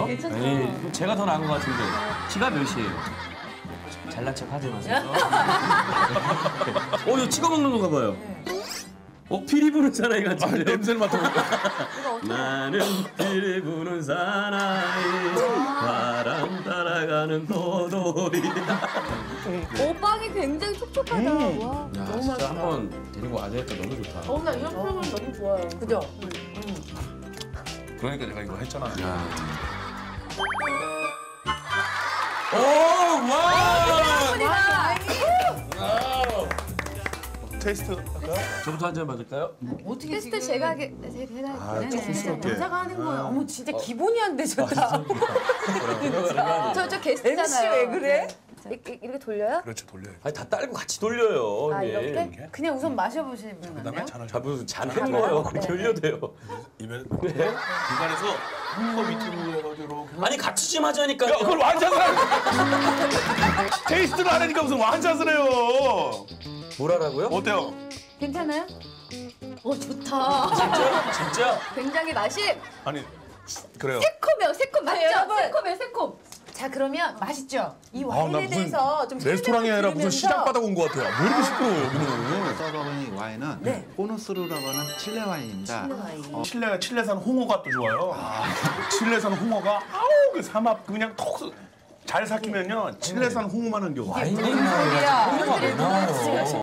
괜찮아요? 괜찮죠. 에이, 제가 더 나은 것 같은데. 키가 몇이에요? 잘난 척 하지 마세요. 이거 찍어 먹는 건가 봐요. 피리 부는 사나이 같은데. 냄새를 맡아볼까? 나는 피리 부는 사나이 바람 따라가는 도돌이. 빵이 굉장히 촉촉하다. 와, 야, 너무 진짜 맛있다. 한번 데리고 와야 되겠다. 너무 좋다. 나 이런 프로그램 너무 좋아요. 그죠? 그러니까 내가 이거 했잖아. 오, 와! 테이스트 할까요? 저부터 한 잔 받을까요? 어떻게 테스트 제가 하게 조심스럽게. 여자가 하는 거예요. 어머 진짜 기본이 안 되셨다. 저 게스트잖아요. MC 왜 그래? 이렇게 돌려요? 그렇죠, 돌려야지. 아니, 다 딸고 같이 돌려요. 아, 예. 이렇게? 그냥 우선 마셔보시면 안 그다음에 돼요? 잔을 자, 무슨 잔 헹궈요. 그렇게 흘려도 돼요. 입에 중간에서 거 밑으로 해가지고 이렇게. 아니, 같이 좀 하자니까요. 야, 그걸 완샷을 하네. 테이스트를 하려니까 무슨 완샷을 해요. 뭐라고요? 어때요? 괜찮아요? 좋다. 진짜? 굉장히 맛이 아니, 그래요. 새콤 맞죠? 여러분. 새콤. 자 그러면 맛있죠? 이 나 와인에 무슨 대해서 좀 레스토랑이 아니라 무슨 설명을 시장 드리면서 바닥 온 것 같아요. 왜 이렇게 시끄러워요, 여기는? 서버니 와인은 네. 보너스루라고 하는 칠레 와인입니다. 칠레산 홍어가 또 좋아요. 칠레산 홍어가 아우 그 삼합 그냥 톡 잘 삭히면요 칠레산 홍어만 한 겨. 와인 얘기하는 왜 나와요?